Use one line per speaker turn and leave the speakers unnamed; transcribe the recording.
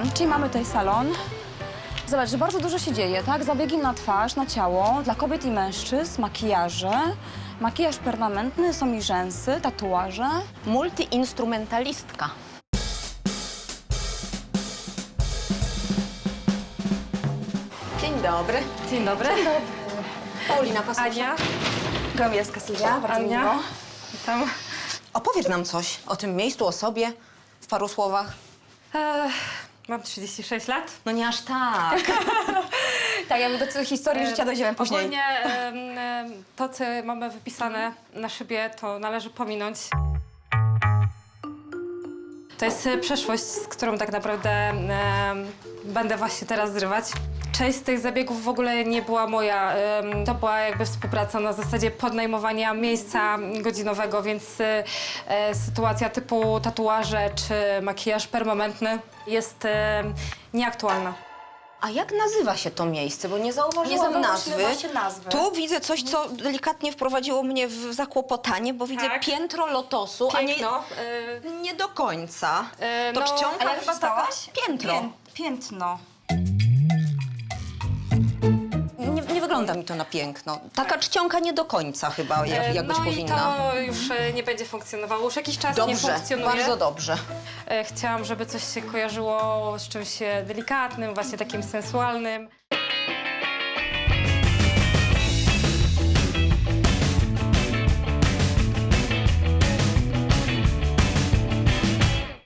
Czyli mamy tutaj salon. Zobacz, że bardzo dużo się dzieje, tak? Zabiegi na twarz, na ciało, dla kobiet i mężczyzn, makijaże, makijaż permanentny, są i rzęsy, tatuaże.
Multiinstrumentalistka. Dzień dobry.
Dzień dobry.
Paulina Pasusza.
Ania.
Gomielska Sylwia, bardzo
Ania.
miło.
Witam.
Opowiedz nam coś o tym miejscu, o sobie, w paru słowach.
Mam 36 lat.
No nie aż tak.
Tak, ja do tej historii życia dojdziemy później.
Ogólnie to, co mamy wypisane na szybie, to należy pominąć. To jest przeszłość, z którą tak naprawdę będę właśnie teraz zrywać. Część z tych zabiegów w ogóle nie była moja. To była jakby współpraca na zasadzie podnajmowania miejsca godzinowego, więc sytuacja typu tatuaże czy makijaż permanentny jest nieaktualna.
A jak nazywa się to miejsce? Bo nie zauważyłam nazwy.
właśnie nazwy.
Tu widzę coś, co delikatnie wprowadziło mnie w zakłopotanie, bo widzę
Tak.
piętro lotosu,
Piękno.
a nie do końca. To
no,
czcionka
a jak
chyba taka?
przeczytałaś?
Piętro.
Piętno.
Nie wygląda mi to na piękno. Taka czcionka nie do końca chyba, jak być
no
powinna.
i to już nie będzie funkcjonowało. Już jakiś czas nie
Dobrze,
funkcjonuje.
bardzo dobrze.
Chciałam, żeby coś się kojarzyło z czymś delikatnym, właśnie takim sensualnym.